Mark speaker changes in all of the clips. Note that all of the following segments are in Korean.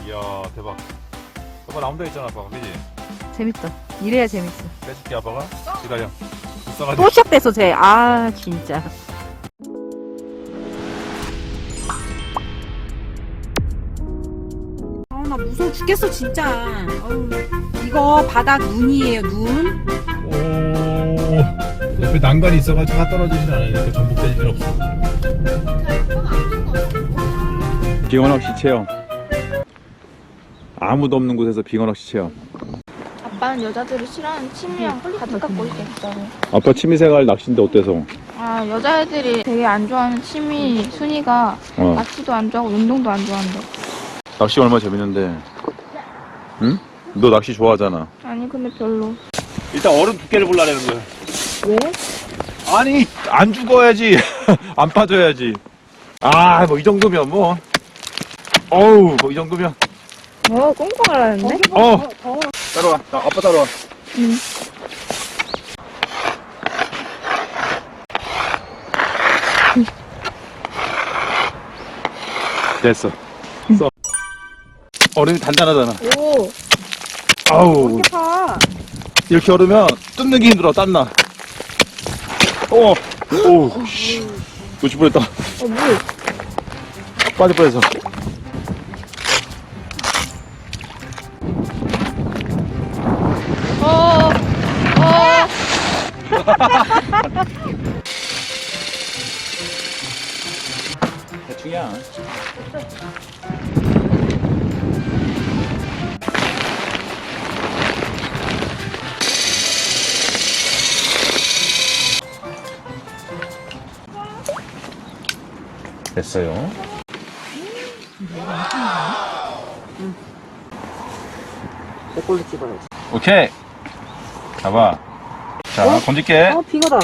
Speaker 1: 이야 대박. 아빠 나온다 했잖아 아빠가, 그지?
Speaker 2: 재밌다. 이래야 재밌어.
Speaker 1: 빼줄게 아빠가. 기다려. 불쌍하지?
Speaker 2: 또 시작됐어 쟤. 아 진짜. 나 무서워 죽겠어 진짜. 어우, 이거 바닥 눈이에요 눈.
Speaker 1: 오. 옆에 난간이 있어가지고 다 떨어지진 않으니까 전복될 일 없어. 빙어낚시 체험. 아무도 없는 곳에서 빙어낚시 체험.
Speaker 3: 아빠는 여자들이 싫어하는 취미랑 가득 갖고 있대, 진짜로.
Speaker 1: 아빠 취미생활 낚시인데 어때서?
Speaker 3: 아, 여자애들이 되게 안 좋아하는 취미 순위가 낚시도 안 좋아하고 운동도 안 좋아한대.
Speaker 1: 낚시 얼마나 재밌는데. 응? 너 낚시 좋아하잖아.
Speaker 3: 아니, 근데 별로.
Speaker 1: 일단 얼음 두께를 볼라는 거야.
Speaker 2: 왜?
Speaker 1: 아니 안 죽어야지. 안 빠져야지. 아 뭐 이 정도면 뭐. 어우 뭐 이 정도면.
Speaker 3: 꽁꽁하라는데?
Speaker 1: 따라와. 나 아빠 따라와.
Speaker 3: 응.
Speaker 1: 됐어. 써. 얼음이 단단하잖아.
Speaker 3: 오,
Speaker 1: 아우
Speaker 2: 이렇게 파.
Speaker 1: 이렇게 얼으면 뜯는 게 힘들어. 땀나. 오, 씨. 놓칠 뻔했다.
Speaker 3: 물.
Speaker 1: 빠질 뻔했어. 대충이야. 됐어요.
Speaker 2: 내 걸로 찍어야지.
Speaker 1: 오케이. 잡아. 자, 건질게.
Speaker 2: 빙어다.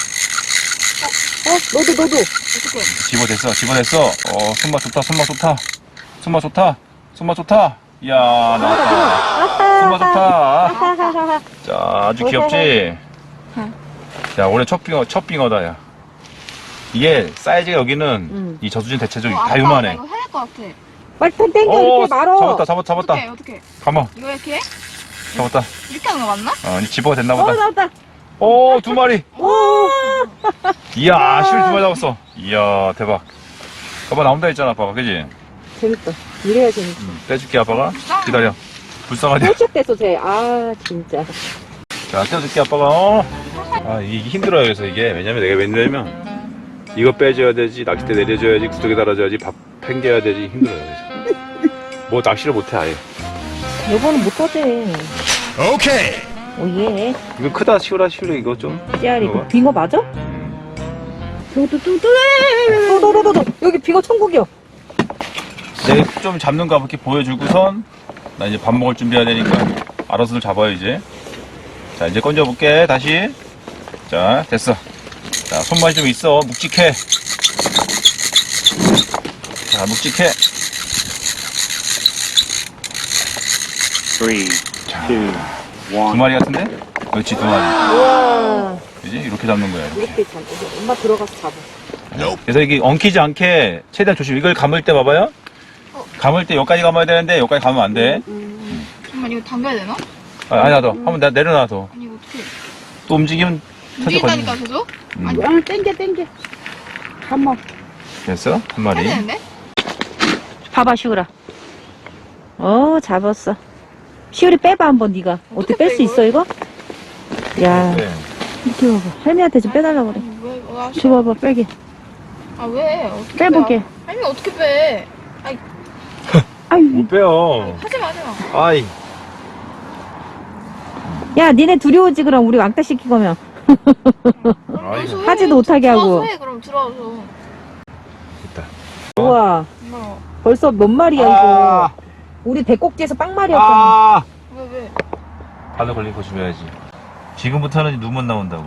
Speaker 2: 너도.
Speaker 1: 집어댔어. 손맛 좋다. 손맛 좋다. 이야, 나왔다. 손맛 좋다. 자, 아주 귀엽지? 자, 올해 첫 빙어다, 야. 이게 사이즈가 여기는 이 저수진 대체적으로 다 요만해.
Speaker 3: 이거 해낼 것 같아.
Speaker 2: 빨리 땡겨 이렇게 말어.
Speaker 1: 잡았다.
Speaker 3: 어떻게?
Speaker 1: 가만.
Speaker 3: 이거 이렇게 해?
Speaker 1: 잡았다.
Speaker 3: 이렇게 하는 거 맞나?
Speaker 1: 이제 집어가 됐나 보다.
Speaker 2: 나왔다.
Speaker 1: 오, 2마리.
Speaker 2: 오.
Speaker 1: 이야, 실을 2마리 잡았어. 이야, 대박. 아빠 나온다 했잖아, 아빠가. 그지?
Speaker 2: 재밌다. 이래야 재밌어.
Speaker 1: 떼줄게, 아빠가. 기다려. 불쌍하지?
Speaker 2: 또 시작됐어 쟤. 아 진짜.
Speaker 1: 자, 떼줄게, 아빠가. 이게 힘들어요, 그래서 이게. 왜냐면 내가 웬일이냐면, 이거 빼줘야 되지, 낚싯대 내려줘야지, 구석에 달아줘야지, 밥 팽겨야 되지, 힘들어요, 그래서. 뭐, 낚시를 못해, 아예.
Speaker 2: 여보는 못하지.
Speaker 1: 오케이!
Speaker 2: 오예.
Speaker 1: 이거 크다, 시우라, 이거 좀.
Speaker 2: 씨알이
Speaker 1: 이거
Speaker 2: 이거
Speaker 1: 봐.
Speaker 2: 빙어 맞아? 너 여기 빙어 천국이요.
Speaker 1: 내가 좀 잡는 거 이렇게 보여주고선, 나 이제 밥 먹을 준비해야 되니까, 알아서들 잡아요, 이제. 자, 이제 건져볼게, 다시. 자, 됐어. 자, 손맛이 좀 있어. 묵직해. 자, 묵직해.
Speaker 4: 3, 2, 1.
Speaker 1: 2마리 같은데? 그렇지, 2마리.
Speaker 2: 우와.
Speaker 1: 그지? 이렇게 잡는 거야, 이렇게.
Speaker 2: 이렇게 잡. 엄마 들어가서 잡아.
Speaker 1: 그래서 이게 엉키지 않게 최대한 조심. 이걸 감을 때 봐봐요. 감을 때 여기까지 감아야 되는데 여기까지 감으면 안 돼.
Speaker 3: 잠깐만, 이거 당겨야 되나?
Speaker 1: 아니야, 더. 한번 내려놔, 더.
Speaker 3: 아니, 이거 어떻게.
Speaker 1: 또 움직이면 터져 걸리네.
Speaker 3: 움직인다니까, 계속?
Speaker 2: 아 땡겨. 한번.
Speaker 1: 됐어? 한 마리.
Speaker 3: 해야 되는데?
Speaker 2: 봐봐 시우라. 잡았어. 시우리 빼봐 한번 네가. 어떻게 뺄 수 있어 이거? 야
Speaker 1: 네.
Speaker 2: 이렇게 봐봐. 할미한테 좀 빼달라고 그래.
Speaker 3: 아니, 왜,
Speaker 2: 줘봐봐 빼게.
Speaker 3: 아, 왜? 어떻게
Speaker 2: 빼볼게.
Speaker 3: 빼? 아니, 어떻게 빼?
Speaker 2: 아유.
Speaker 1: 못 빼요.
Speaker 3: 하지 마.
Speaker 1: 아이.
Speaker 2: 야 니네 둘이 오지 그럼 우리 왕따 시킬 거면.
Speaker 1: 아이고.
Speaker 2: 하지도 못하게 하고.
Speaker 3: 들어와서 해, 그럼 들어와서.
Speaker 1: 됐다.
Speaker 2: 우와.
Speaker 3: 뭐,
Speaker 2: 벌써 몇 마리야 이거. 우리 배꼽지에서 빵말이었잖아.
Speaker 1: 아.
Speaker 3: 왜?
Speaker 1: 바늘 걸린 거 주면야지. 지금부터는 눈만 나온다고.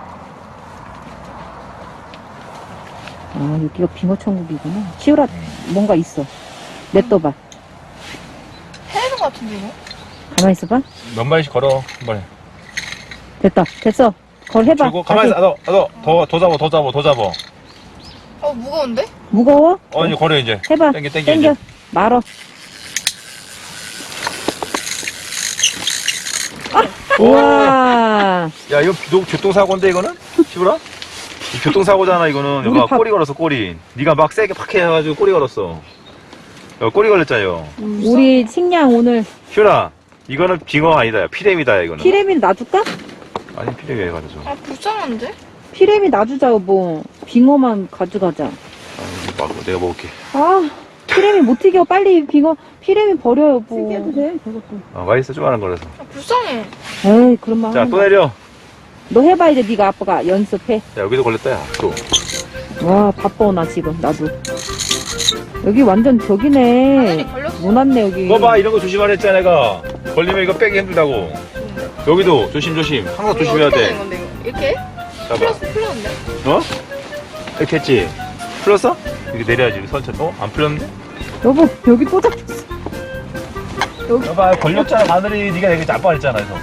Speaker 2: 여기가 빙어 천국이구나. 시우라 뭔가 있어. 냅둬봐.
Speaker 3: 해야 되는 거 같은데, 이거?
Speaker 2: 가만히 있어봐.
Speaker 1: 몇 마리씩 걸어, 한 번에.
Speaker 2: 됐어. 그걸 해봐.
Speaker 1: 그리고 가만히 있어. 더 잡아.
Speaker 3: 무거운데?
Speaker 2: 무거워?
Speaker 1: 이제 걸어, 이제.
Speaker 2: 해봐.
Speaker 1: 땡겨,
Speaker 2: 땡겨.
Speaker 1: 이제.
Speaker 2: 말어. 우와.
Speaker 1: 야, 이거 교통사고인데, 이거는? 시부라? 이 교통사고잖아, 이거는.
Speaker 2: 우리
Speaker 1: 여기가 꼬리 걸었어, 꼬리. 네가 막 세게 팍 해가지고 꼬리 걸었어. 야, 꼬리 걸렸잖아, 이거.
Speaker 2: 우리 식량 오늘
Speaker 1: 시부라, 이거는 빙어 아니다, 야. 피레미다, 이거는.
Speaker 2: 피레미 놔줄까?
Speaker 1: 아니, 피레미 왜 가져줘.
Speaker 3: 아 불쌍한데?
Speaker 2: 피레미 놔주자 여보. 빙어만 가져가자.
Speaker 1: 아, 내가 먹을게.
Speaker 2: 아 피레미 못 튀겨. 빨리 빙어 피레미 버려 여보. 튀겨도 돼 그것도.
Speaker 1: 아, 맛있어, 조그만한 거라서.
Speaker 3: 아 불쌍해.
Speaker 2: 에이 그런 말
Speaker 1: 자,
Speaker 2: 하는
Speaker 1: 또
Speaker 2: 거야.
Speaker 1: 내려.
Speaker 2: 너 해봐 이제 네가 아빠가 연습해.
Speaker 1: 야, 여기도 걸렸다, 야. 또.
Speaker 2: 와 바빠 나 지금 나도. 여기 완전 저기네.
Speaker 3: 당연히 걸렸어.
Speaker 2: 못 왔네 여기.
Speaker 1: 이거 봐, 이런 거 조심하라 했잖아, 내가. 걸리면 이거 빼기 힘들다고. 여기도 조심조심. 항상 조심해야
Speaker 3: 어떻게
Speaker 1: 돼.
Speaker 3: 되는 건데 이거? 이렇게?
Speaker 1: 봐봐.
Speaker 3: 풀렸는데?
Speaker 1: 어? 이렇게 했지? 풀렸어? 이렇게 내려야지, 이렇게 선처럼. 어? 안 풀렸는데?
Speaker 2: 여보 여기 또 잡혔어.
Speaker 1: 봐봐, 걸렸잖아, 바늘이. 네가 여기 짬뽕 했잖아, 그래서.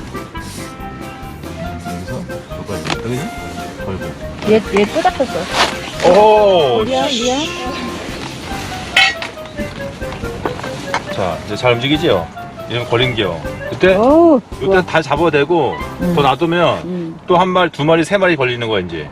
Speaker 1: 여기서, 여기지? 걸고.
Speaker 2: 얘 또 잡혔어.
Speaker 1: 오호!
Speaker 2: 미안.
Speaker 1: 자, 이제 잘 움직이지요? 이러면 걸린 게요. 그때?
Speaker 2: 어우.
Speaker 1: 이때 다 잡아야 되고, 더 놔두면 또 한 마리, 두 마리, 세 마리 걸리는 거야, 이제.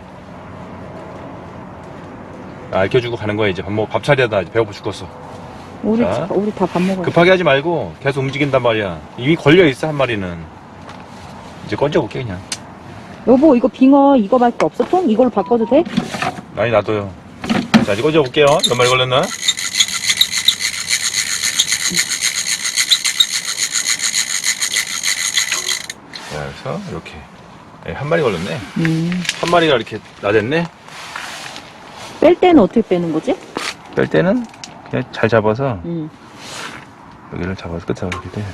Speaker 1: 알켜주고 가는 거야, 이제. 밥 차려야 돼. 배고파 죽겠어.
Speaker 2: 우리
Speaker 1: 자.
Speaker 2: 우리 다 밥 먹어야 돼.
Speaker 1: 급하게 하지 말고 계속 움직인단 말이야. 이미 걸려있어, 한 마리는. 이제 건져볼게, 그냥.
Speaker 2: 여보 이거 빙어 이거밖에 없어 통? 이걸로 바꿔도 돼?
Speaker 1: 아니, 놔둬요. 자, 이제 건져볼게요. 몇 마리 걸렸나? 자, 그래서 이렇게. 네, 한 마리 걸렸네. 한 마리가 이렇게 나댔네.
Speaker 2: 뺄 때는 어떻게 빼는 거지?
Speaker 1: 뺄 때는 그냥 잘 잡아서
Speaker 2: 음.
Speaker 1: 여기를 잡아서 끝에 이렇게 돼.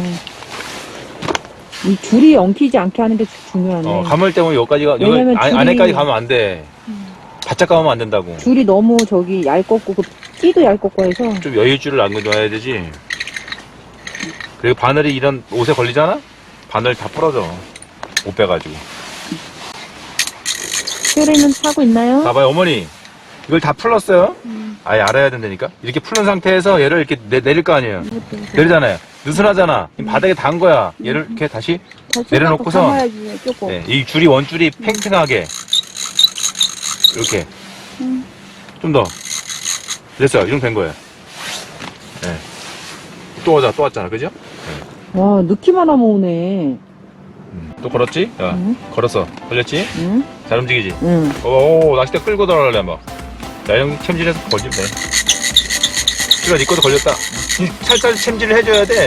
Speaker 2: 이 줄이 엉키지 않게 하는 게 중요하네.
Speaker 1: 감을 때문에 여기까지가 여기
Speaker 2: 왜냐면
Speaker 1: 안에까지 가면 안 돼. 바짝 가면 안 된다고.
Speaker 2: 줄이 너무 저기 얇고 그 끼도 얇고 해서
Speaker 1: 좀 여유줄을 안 넣어야 되지. 그리고 바늘이 이런 옷에 걸리잖아? 바늘 다 부러져. 옷 빼가지고.
Speaker 2: 뼈리는 하고 있나요?
Speaker 1: 봐봐요, 어머니. 이걸 다 풀었어요? 아예 알아야 된다니까? 이렇게 풀은 상태에서 얘를 이렇게 내릴 거 아니에요? 내리잖아요. 느슨하잖아. 바닥에 닿은 거야. 얘를 이렇게 다시 내려놓고서
Speaker 2: 감아야지, 조금.
Speaker 1: 네, 이 줄이 원줄이 팽팽하게 이렇게 좀 더 됐어요. 이 정도 된 거예요. 네. 또 왔잖아, 그죠?
Speaker 2: 와 넣기만 하면 오네.
Speaker 1: 또 걸었지? 야, 걸었어. 걸렸지?
Speaker 2: 응?
Speaker 1: 잘 움직이지?
Speaker 2: 응.
Speaker 1: 오, 낚싯대 끌고 들어가려 한번. 자, 형 챔질해서 걸리면 돼. 그래, 네 것도 걸렸다. 살살 챔질을 해줘야 돼.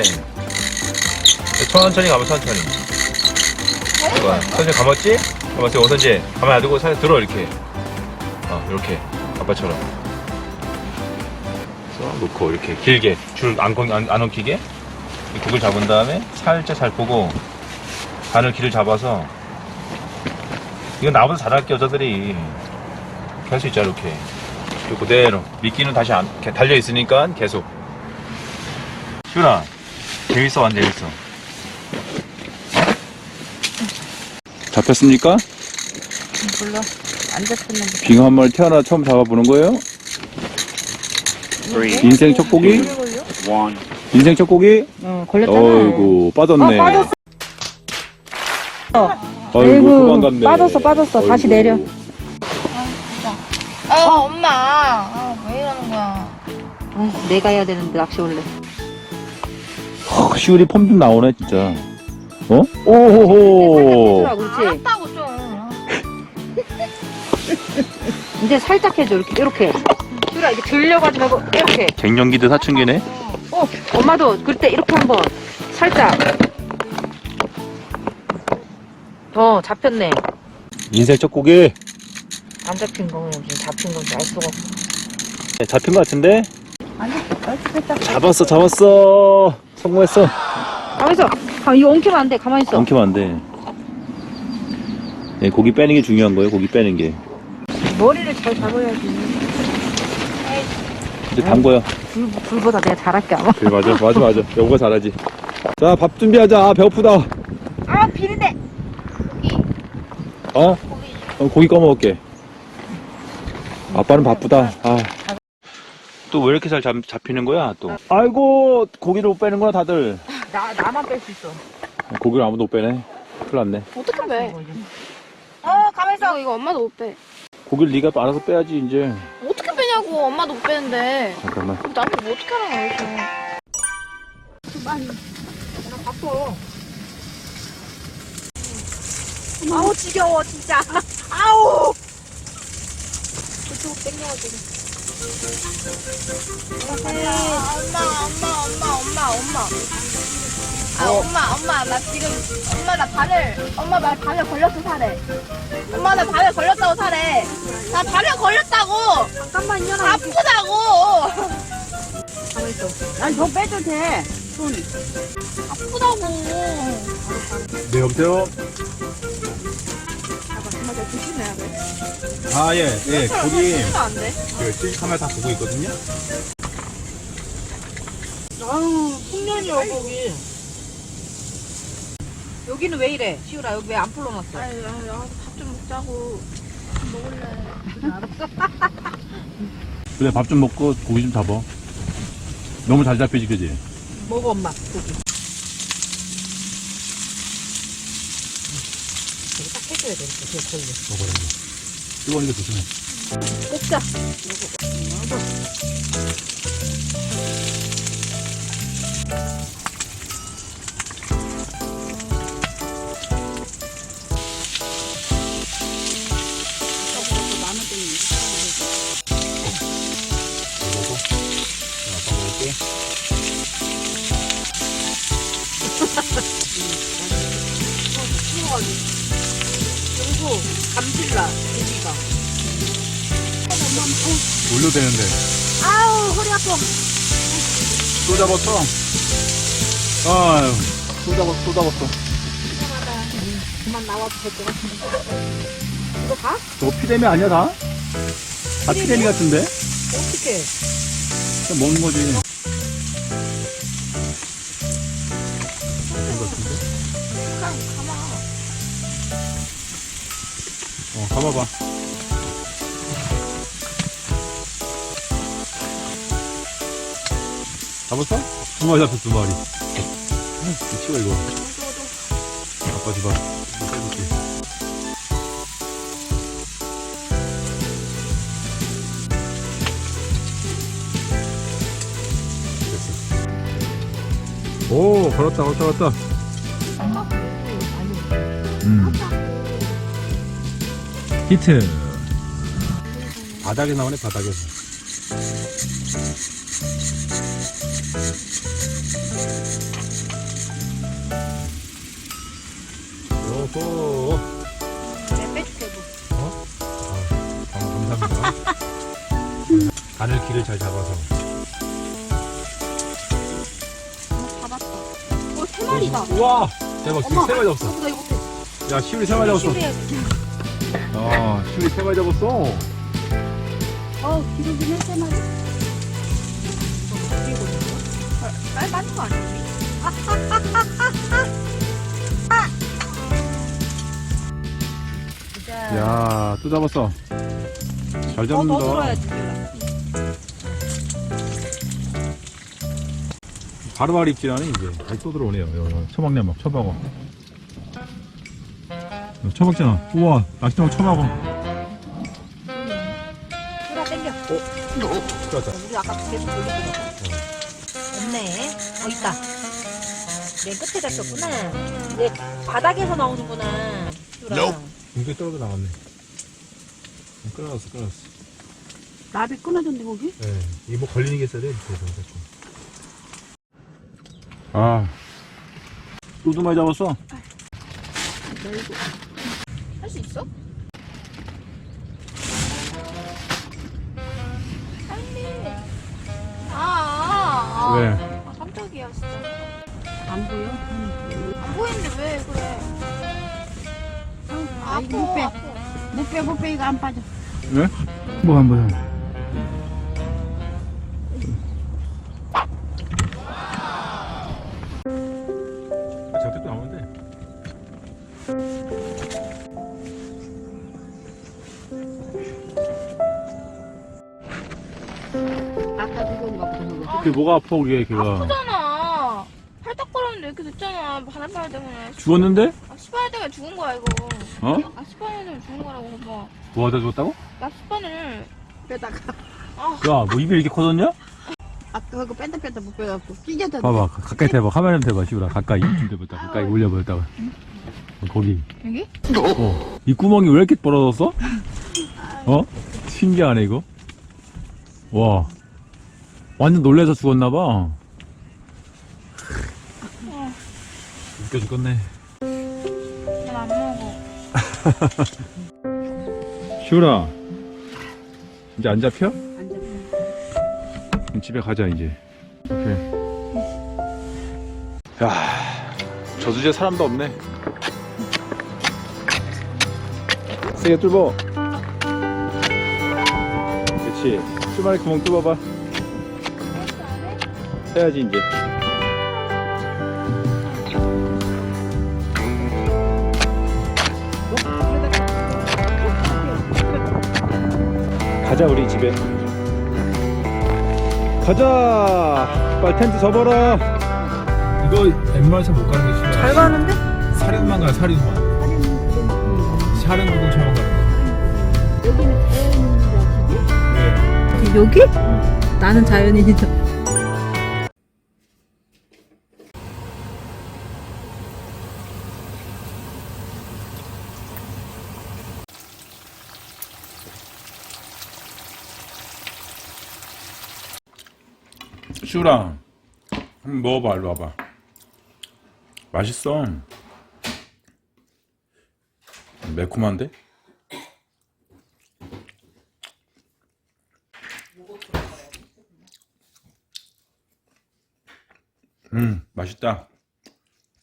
Speaker 1: 천천히 가면 천천히. 좋아. 천천히 감았지? 감았지? 원선지 가만 놔두고 살살 들어, 이렇게. 이렇게. 아빠처럼. 그래서 놓고, 이렇게 길게. 줄 안 엉키게. 이 국을 잡은 다음에 살짝 잘 보고, 바늘 길을 잡아서. 이건 나보다 잘할게, 여자들이. 이렇게 할 수 있잖아, 이렇게. 그리고 그대로. 미끼는 다시 이렇게 달려있으니까 계속. 시훈아, 재밌어, 안 재밌어? 잡혔습니까?
Speaker 2: 몰라. 안 잡혔는데.
Speaker 1: 빙어 한 마리 태어나 처음 잡아보는 거예요?
Speaker 4: 3,
Speaker 1: 인생 첫 고기?
Speaker 4: 1.
Speaker 1: 인생 첫 고기?
Speaker 2: 걸렸잖아.
Speaker 1: 어이구, 빠졌네.
Speaker 2: 빠졌어.
Speaker 1: 어이구, 도망갔네.
Speaker 2: 빠졌어. 다시 내려.
Speaker 3: 엄마. 왜 이러는 거야?
Speaker 2: 내가 해야 되는데 낚시 올래.
Speaker 1: 시울이 폼 좀 나오네, 진짜. 어? 오호호.
Speaker 2: 그렇지.
Speaker 3: 알았다고 좀.
Speaker 2: 이제 살짝 해줘 이렇게. 슈라 이렇게 들려가지 말고 이렇게.
Speaker 1: 갱년기도 사춘기네.
Speaker 2: 엄마도 그때 이렇게 한번 살짝. 잡혔네.
Speaker 1: 인생 첫 고기.
Speaker 2: 안 잡힌 거면 지금 잡힌 건지 알 수가 없어.
Speaker 1: 네, 잡힌 것 같은데?
Speaker 2: 아니,
Speaker 1: 잡았어. 성공했어.
Speaker 2: 가만있어. 이거 엉키면 안 돼. 가만히 있어.
Speaker 1: 엉키면 안 돼. 네, 고기 빼는 게 중요한 거예요, 고기 빼는 게.
Speaker 2: 머리를 잘 잡아야지.
Speaker 1: 이제 단 거야.
Speaker 2: 불보다 내가 잘할게 아마.
Speaker 1: 그래, 맞아. 여보가 잘하지. 자, 밥 준비하자. 배고프다.
Speaker 2: 비린내.
Speaker 1: 고기 꺼먹을게. 아빠는 바쁘다. 또 왜 이렇게 잘 잡히는 거야, 또? 아이고, 고기를 못 빼는구나, 다들.
Speaker 2: 나만 뺄 수 있어.
Speaker 1: 고기를 아무도 못 빼네. 큰일 났네.
Speaker 3: 어떻게 빼?
Speaker 2: 가만있어.
Speaker 3: 이거 엄마도 못 빼.
Speaker 1: 고기를 네가 알아서 빼야지 이제.
Speaker 3: 어떻게 빼냐고. 엄마도 못 빼는데.
Speaker 1: 잠깐만.
Speaker 3: 나한테 뭐 어떻게 하라고 여기서.
Speaker 2: 아우, 지겨워, 진짜. 아우!
Speaker 3: 그쪽 땡겨가지고. 엄마, 나 지금, 나 발에 걸렸어, 살에. 엄마, 나 발에 걸렸다고, 살에. 나 발에 걸렸다고!
Speaker 2: 잠깐만요.
Speaker 3: 아프다고!
Speaker 2: 가만있어. 난 더 빼도 돼. 손.
Speaker 3: 아프다고!
Speaker 1: 네, 여보세요?
Speaker 3: 정말 잘 조심해야 돼.
Speaker 1: 아, 예, 예. 고기
Speaker 3: 안 돼.
Speaker 1: CCTV 카메라 다 보고 있거든요?
Speaker 2: 아우, 풍년이야, 거기. 여기는 왜 이래? 시우라, 여기 왜 안 풀어놨어?
Speaker 3: 아유, 밥 좀 먹자고. 먹을래.
Speaker 1: 그래, 밥 좀 먹고 고기 좀 잡아. 너무 잘 잡히지, 그지?
Speaker 2: 먹어, 엄마, 고기. 이거 딱 해줘야 돼, 이렇게 걸려.
Speaker 1: 먹어라, 뜨거운 거 조심해.
Speaker 2: 꽂자.
Speaker 1: 먹어. 아빠 먹을게.
Speaker 2: 그리고 감질나, 고기가.
Speaker 1: 올려대는데.
Speaker 2: 아우, 허리 아파.
Speaker 1: 또 잡았어. 아유, 또 잡았어.
Speaker 2: 그만 나와도 될 것 같은데. 이거 봐?
Speaker 1: 저거 피레미 아니야, 다? 다 피레미 같은데?
Speaker 2: 어떡해.
Speaker 1: 그냥 먹는 거지. 가봐봐. 잡았어? 2마리 잡혔어, 2마리. 치워, 이거. 아빠 집어. 이거 빼줄게. 됐어. 오, 걸었다. 히트. 바닥에 나오네, 바닥에서. 요호.
Speaker 2: 내 빼줄게, 뭐.
Speaker 1: 감사합니다. 바늘 길을 잘 잡아서.
Speaker 3: 잡았다. 3마리다.
Speaker 1: 우와! 대박, 지금 3마리 잡았어.
Speaker 2: 나 이거 못해.
Speaker 1: 야, 시울이 3마리 잡았어. 시울이 3마리 잡았어.
Speaker 2: 기름 좀 해세 마리.
Speaker 3: 빨리 맞는 거 아니야?
Speaker 1: 야, 또 잡았어. 잘
Speaker 2: 더
Speaker 1: 잡는다.
Speaker 2: 들어야지.
Speaker 1: 바로바로 입질하네, 이제. 아니, 또 들어오네요. 여기 처박네, 막, 처박어. 처박잖아. 우와, 낚시장 처박어.
Speaker 2: 소라 땡겨.
Speaker 1: 좋았다.
Speaker 2: 우리 아까 계속 돌리고 없네. 있다. 맨 끝에 잡혔구나. 내 바닥에서 나오는구나. 시우라.
Speaker 1: 이게 떨어져 나갔네. 끊어놨어.
Speaker 2: 나비 끊어졌네, 거기?
Speaker 1: 네. 이게 뭐 걸리는 게 있어야 돼. 아. 또 많이 잡았어?
Speaker 3: 할 수 있어? 빨리.
Speaker 1: 왜?
Speaker 3: 깜짝이야, 진짜.
Speaker 2: 안 보여?
Speaker 3: 안 보이는데 왜 그래?
Speaker 2: 아, 이거 못 빼. 못 빼, 이거 안 빠져.
Speaker 1: 왜? 뭐 한 번. 저때도 나오는데.
Speaker 2: 아까 그거 갖고 그거.
Speaker 1: 그게 뭐가 아파, 그게, 걔가.
Speaker 3: 아프잖아. 팔딱거렸는데 근데 이렇게 됐잖아. 바닷바위 때문에.
Speaker 1: 죽었는데?
Speaker 3: 아, 스파이 때문에 죽은 거야, 이거.
Speaker 1: 어?
Speaker 3: 아, 스파이 때문에 죽은 거라고, 뭐.
Speaker 1: 뭐 하다 죽었다고?
Speaker 3: 나 스파이를.
Speaker 2: 빼다가
Speaker 1: 야, 뭐 입이 이렇게 커졌냐?
Speaker 2: 아까 그거 뺀다 못 빼갖고 찢었다.
Speaker 1: 봐봐, 가까이 대봐. 카메라 좀 대봐, 시우라. 가까이 좀 대봤다. 가까이 올려봤다가. 거기.
Speaker 3: 여기?
Speaker 1: 이 구멍이 왜 이렇게 벌어졌어? 어? 신기하네, 이거. 와. 완전 놀래서 죽었나봐. 웃겨 죽겠네.
Speaker 3: 난 안 먹어.
Speaker 1: 시우라. 이제 안 잡혀?
Speaker 2: 안 잡혀.
Speaker 1: 그럼 집에 가자, 이제. 오케이. 야, 저 주제 사람도 없네. 세게 뚫어. 그렇지. 주말에 구멍 뚫어봐. 해야지, 이제. 가자, 우리 집에. 가자. 빨리 텐트 접어라. 이거 웬만해서 못 가는 게 싫어.
Speaker 2: 잘 가는데?
Speaker 1: 사륜만 가요, 사륜만. 사륜 구동차만 가는 거.
Speaker 2: 여기는 자연인이다.
Speaker 1: 네.
Speaker 2: 여기? 나는 자연인이다.
Speaker 1: 슈랑 한번 먹어봐. 일로 와봐. 맛있어. 매콤한데? 맛있다.